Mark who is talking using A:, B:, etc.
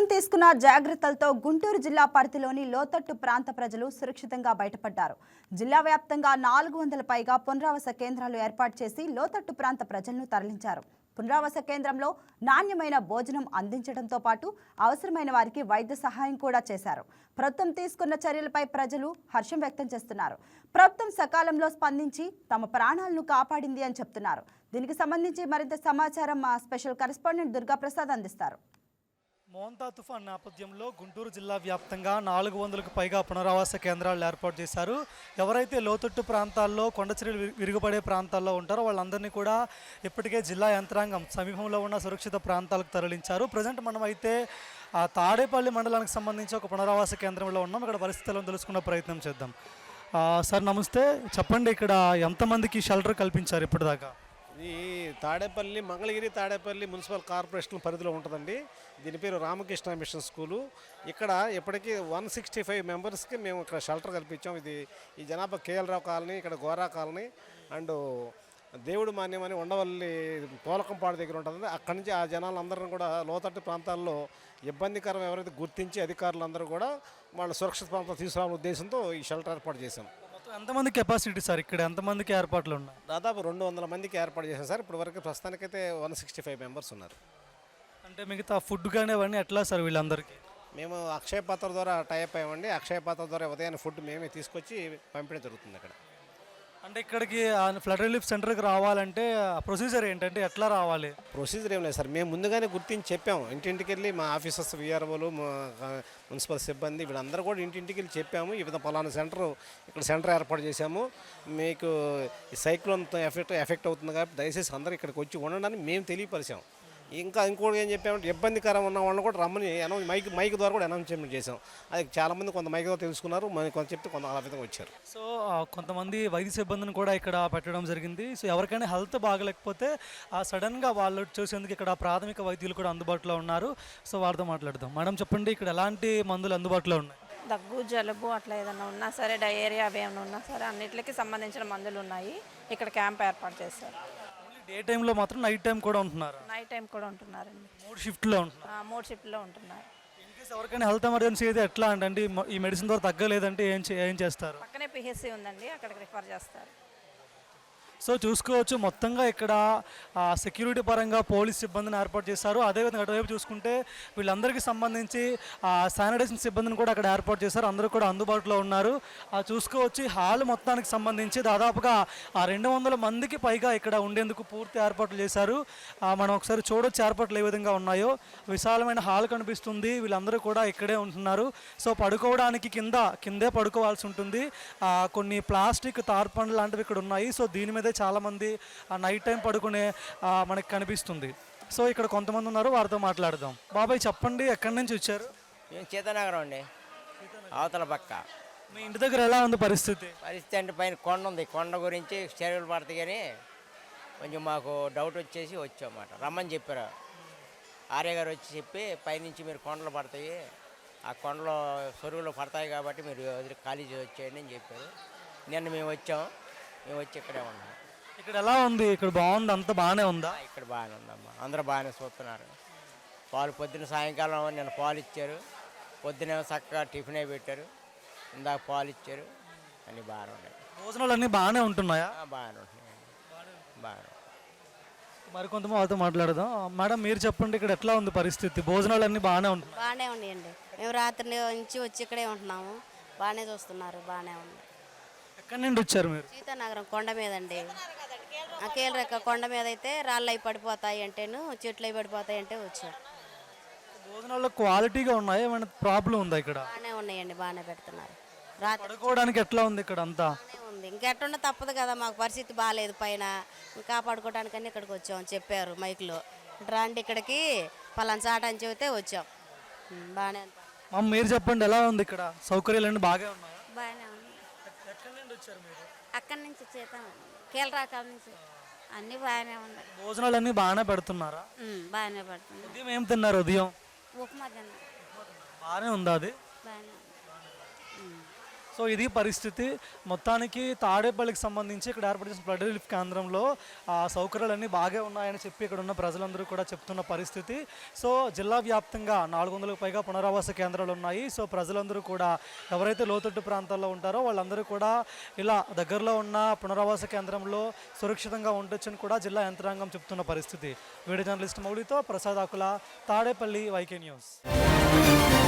A: తీసుకున్న జాగ్రత్తలతో గుంటూరు జిల్లా పరిధిలోని లోతట్టు ప్రాంత ప్రజలు సురక్షితంగా బయటపడ్డారు. జిల్లా వ్యాప్తంగా 400 పైగా పునరావాస కేంద్రాలు ఏర్పాటు చేసి లోతట్టు ప్రాంత ప్రజలను తరలించారు. పునరావాస కేంద్రంలో నాణ్యమైన భోజనం అందించడంతో పాటు అవసరమైన వారికి వైద్య సహాయం కూడా చేశారు. ప్రభుత్వం తీసుకున్న చర్యలపై ప్రజలు హర్షం వ్యక్తం చేస్తున్నారు. ప్రభుత్వం సకాలంలో స్పందించి తమ ప్రాణాలను కాపాడింది అని చెప్తున్నారు. దీనికి సంబంధించి మరింత సమాచారం మా స్పెషల్ కరెస్పాండెంట్ దుర్గాప్రసాద్ అందిస్తారు.
B: మోంతా తుఫాన్ నేపథ్యంలో గుంటూరు జిల్లా వ్యాప్తంగా 400కు పైగా పునరావాస కేంద్రాలు ఏర్పాటు చేశారు. ఎవరైతే లోతట్టు ప్రాంతాల్లో కొండచర్యలు విరుగుపడే ప్రాంతాల్లో ఉంటారో వాళ్ళందరినీ కూడా ఇప్పటికే జిల్లా యంత్రాంగం సమీపంలో ఉన్న సురక్షిత ప్రాంతాలకు తరలించారు. ప్రజెంట్ మనం అయితే తాడేపల్లి మండలానికి సంబంధించి ఒక పునరావాస కేంద్రంలో ఉన్నాం. ఇక్కడ పరిస్థితులను తెలుసుకునే ప్రయత్నం చేద్దాం. సార్ నమస్తే, చెప్పండి, ఇక్కడ ఎంతమందికి షెల్టర్ కల్పించారు ఇప్పటిదాకా?
C: ఈ తాడేపల్లి మంగళగిరి తాడేపల్లి మున్సిపల్ కార్పొరేషన్ పరిధిలో ఉంటుందండి. దీని పేరు రామకృష్ణ మిషన్ స్కూలు. ఇక్కడ ఇప్పటికీ 165 మెంబర్స్కి మేము ఇక్కడ షెల్టర్ కల్పించాం. ఈ జనాభా కేఎల్ రావు కాలనీ, ఇక్కడ గోరా కాలనీ అండ్ దేవుడు మాన్యం అని ఉండవల్లి పోలకంపాడు దగ్గర ఉంటుంది. అక్కడి నుంచి ఆ జనాలందరినీ కూడా లోతట్టు ప్రాంతాల్లో ఇబ్బందికరం ఎవరైతే గుర్తించి అధికారులందరూ కూడా వాళ్ళ సురక్షిత ప్రాంతం తీసుకురావాలనే ఉద్దేశంతో ఈ షెల్టర్ ఏర్పాటు చేశాం.
B: ఎంతమంది కెపాసిటీ సార్? ఇక్కడ ఎంతమందికి ఏర్పాట్లు ఉన్నాయి?
C: దాదాపు 200 మందికి ఏర్పాటు చేశాం సార్. ఇప్పుడు వరకు ప్రస్తుతానికైతే 165 మెంబర్స్ ఉన్నారు.
B: అంటే మిగతా ఫుడ్ కానీ అవన్నీ ఎట్లా సార్ వీళ్ళందరికీ?
C: మేము అక్షయ పాత్ర ద్వారా టైప్ అయ్యామండి. అక్షయ పాత్ర ద్వారా ఉదయాన్నే ఫుడ్ మేమే తీసుకొచ్చి పంపిణీ జరుగుతుంది అక్కడ.
B: అంటే ఇక్కడికి ఫ్లడ్ రిలీఫ్ సెంటర్కి రావాలంటే ప్రొసీజర్ ఏంటంటే ఎట్లా రావాలి?
C: ప్రొసీజర్ ఏం లేదు సార్, మేము ముందుగానే గుర్తించి చెప్పాము. ఇంటింటికి వెళ్ళి మా ఆఫీసర్స్, విఆర్ఓలు, మున్సిపల్ సిబ్బంది వీళ్ళందరూ కూడా ఇంటింటికి వెళ్ళి చెప్పాము. ఈ విధంగా పలానా ఇక్కడ సెంటర్ ఏర్పాటు చేశాము, మీకు ఈ సైక్లోన్ ఎఫెక్ట్ అవుతుంది కాబట్టి దయచేసి అందరూ ఇక్కడికి వచ్చి ఉండడానికి మేము తెలియపరిచాం. ఇంకోటి ఏం చెప్పామంటే ఇబ్బందికరం ఉన్న వాళ్ళని కూడా రమ్మని మైక్ ద్వారా కూడా అనౌన్స్మెంట్ చేసాం. అది చాలామంది కొంత మైక్ ద్వారా తెలుసుకున్నారు, కొంత చెప్తే కొంత ఆ విధంగా వచ్చారు.
B: సో కొంతమంది వైద్య సిబ్బందిని కూడా ఇక్కడ పెట్టడం జరిగింది. సో ఎవరికైనా హెల్త్ బాగలేకపోతే సడన్గా వాళ్ళు చూసేందుకు ఇక్కడ ప్రాథమిక వైద్యులు కూడా అందుబాటులో ఉన్నారు. సో వారితో మాట్లాడదాం. మేడం చెప్పండి, ఇక్కడ ఎలాంటి మందులు అందుబాటులో ఉన్నాయి?
D: దగ్గు, జలుబు అట్లా ఏదైనా ఉన్నా సరే, డయేరియా అవి ఏమైనా ఉన్నా సరే అన్నిటికీ సంబంధించిన మందులు ఉన్నాయి. ఇక్కడ క్యాంప్ ఏర్పాటు చేశారు.
B: డే టైంలో మాత్రం నైట్ టైం కూడా ఉంటున్నారు?
D: నైట్ టైం కూడా ఉంటున్నారండి.
B: 3 షిఫ్ట్లో ఉంటున్నారు.
D: 3 షిఫ్ట్లో ఉంటున్నారు.
B: ఇన్కేస్ ఎవరికైనా హెల్త్ ఎమర్జెన్సీ అయితే ఎట్లా అంటే ఈ మెడిసిన్ ద్వారా తగ్గలేదంటే ఏం చేస్తారు?
D: పక్కనే పిహెచ్సి ఉందండి, అక్కడికి రిఫర్ చేస్తారు.
B: సో చూసుకోవచ్చు, మొత్తంగా ఇక్కడ సెక్యూరిటీ పరంగా పోలీస్ సిబ్బందిని ఏర్పాటు చేశారు. అదేవిధంగా అటువైపు చూసుకుంటే వీళ్ళందరికీ సంబంధించి శానిటైజేషన్ సిబ్బందిని కూడా అక్కడ ఏర్పాటు చేశారు. అందరూ కూడా అందుబాటులో ఉన్నారు. చూసుకోవచ్చు, హాల్ మొత్తానికి సంబంధించి దాదాపుగా 200 మందికి పైగా ఇక్కడ ఉండేందుకు పూర్తి ఏర్పాట్లు చేశారు. మనం ఒకసారి చూడొచ్చు ఏర్పాట్లు ఏ విధంగా ఉన్నాయో. విశాలమైన హాల్ కనిపిస్తుంది. వీళ్ళందరూ కూడా ఇక్కడే ఉంటున్నారు. సో పడుకోవడానికి కిందే పడుకోవాల్సి ఉంటుంది. కొన్ని ప్లాస్టిక్ తార్పండ్లు లాంటివి ఇక్కడ ఉన్నాయి. సో దీని మీద చాలామంది నైట్ టైం పడుకునే మనకి కనిపిస్తుంది. సో ఇక్కడ కొంతమంది ఉన్నారు, వారితో మాట్లాడదాం. బాబాయ్ చెప్పండి, ఎక్కడి నుంచి వచ్చారు?
E: మేము సీతానగరం అండి, అవతల పక్క.
B: మీ ఇంటి దగ్గర ఎలా ఉంది పరిస్థితి?
E: అంటే పైన కొండ ఉంది, కొండ గురించి చెరువులు పడతాయి కానీ కొంచెం మాకు డౌట్ వచ్చేసి వచ్చామాట. రమ్మని చెప్పారు ఆర్య గారు, వచ్చి చెప్పి పైనుంచి మీరు కొండలు పడతాయి, ఆ కొండలో చెరువులు పడతాయి కాబట్టి మీరు ఖాళీ వచ్చేయండి అని చెప్పారు. నిన్న మేము వచ్చి ఇక్కడే ఉన్నాం.
B: ఇక్కడ ఎలా ఉంది? ఇక్కడ బాగుంది, అంత బాగానే ఉందా?
E: ఇక్కడ బాగానే ఉందమ్మా, అందరూ బాగానే చూస్తున్నారు. పాలు పొద్దున్న సాయంకాలం నిన్న పాలు ఇచ్చారు, పొద్దున చక్కగా టిఫిన్ పెట్టారు, ఇందాక పాలు ఇచ్చారు, అన్నీ బాగానే ఉన్నాయి.
B: భోజనాలు అన్నీ బాగానే ఉంటున్నాయా?
E: బాగానే ఉంటున్నాయి, బాగానే.
B: మరి కొంతమంది వాళ్ళతో మాట్లాడదాం. మేడం మీరు చెప్పండి, ఇక్కడ ఎట్లా ఉంది పరిస్థితి? భోజనాలు అన్నీ బాగానే ఉంటున్నాయి?
F: బాగానే ఉన్నాయండి. మేము రాత్రి నుంచి వచ్చి ఇక్కడే ఉంటున్నాము, బాగానే చూస్తున్నారు, బాగానే ఉంది.
B: ఎక్కడి నుండి వచ్చారు మీరు?
F: సీతానగరం కొండ మీద అండి. కీలరెక్క కొండ మీద అయితే రాళ్ళు అవి పడిపోతాయి అంటేను, చెట్లు అవి పడిపోతాయి అంటే వచ్చారు.
B: భోజనాల్లో క్వాలిటీగా ఉన్నాయి, ఏమైనా ప్రాబ్లం ఉందా ఇక్కడ?
F: బాగానే ఉన్నాయండి, బాగానే పెడుతున్నారు.
B: పడుకోవడానికి ఎట్లా ఉంది ఇక్కడ? అంతా
F: ఉంది. ఇంకెట్టుండే తప్పదు కదా, మాకు పరిస్థితి బాగాలేదు, పైన కాపాడుకోవడానికని ఇక్కడికి వచ్చాం. చెప్పారు మైక్లో, రండి ఇక్కడికి పలానా చాట అని చెబితే వచ్చాం. బాగానే ఉంది.
B: మీరు చెప్పండి, ఎలా ఉంది ఇక్కడ? సౌకర్యాలన్నీ బాగా ఉన్నాయా?
F: బాగానే ఉంది.
B: ఎక్కడి నుండి వచ్చారు మీరు?
F: అక్కడి నుంచి కీలరాకాల నుంచి. అన్నీ బాగానే ఉన్నాయి.
B: భోజనాలు అన్నీ బాగానే పెడుతున్నారా?
F: బాగానే పెడుతుంది.
B: ఉదయం ఏం తిన్నారు? ఉదయం
F: ఉప్మా తిన్నా.
B: బాగానే ఉందా అది?
F: బాగానే ఉంది.
B: సో ఇది పరిస్థితి. మొత్తానికి తాడేపల్లికి సంబంధించి ఇక్కడ ఏర్పాటు చేసిన ఫ్లడ్ రిలీఫ్ కేంద్రంలో సౌకర్యాలన్నీ బాగా ఉన్నాయని చెప్పి ఇక్కడ ఉన్న ప్రజలందరూ కూడా చెప్తున్న పరిస్థితి. సో జిల్లా వ్యాప్తంగా 400కు పైగా పునరావాస కేంద్రాలు ఉన్నాయి. సో ప్రజలందరూ కూడా ఎవరైతే లోతట్టు ప్రాంతాల్లో ఉంటారో వాళ్ళందరూ కూడా ఇలా దగ్గరలో ఉన్న పునరావాస కేంద్రంలో సురక్షితంగా ఉండొచ్చని కూడా జిల్లా యంత్రాంగం చెప్తున్న పరిస్థితి. వీడియో జర్నలిస్ట్ మౌలితో ప్రసాద్ ఆకుల, తాడేపల్లి, వైకే న్యూస్.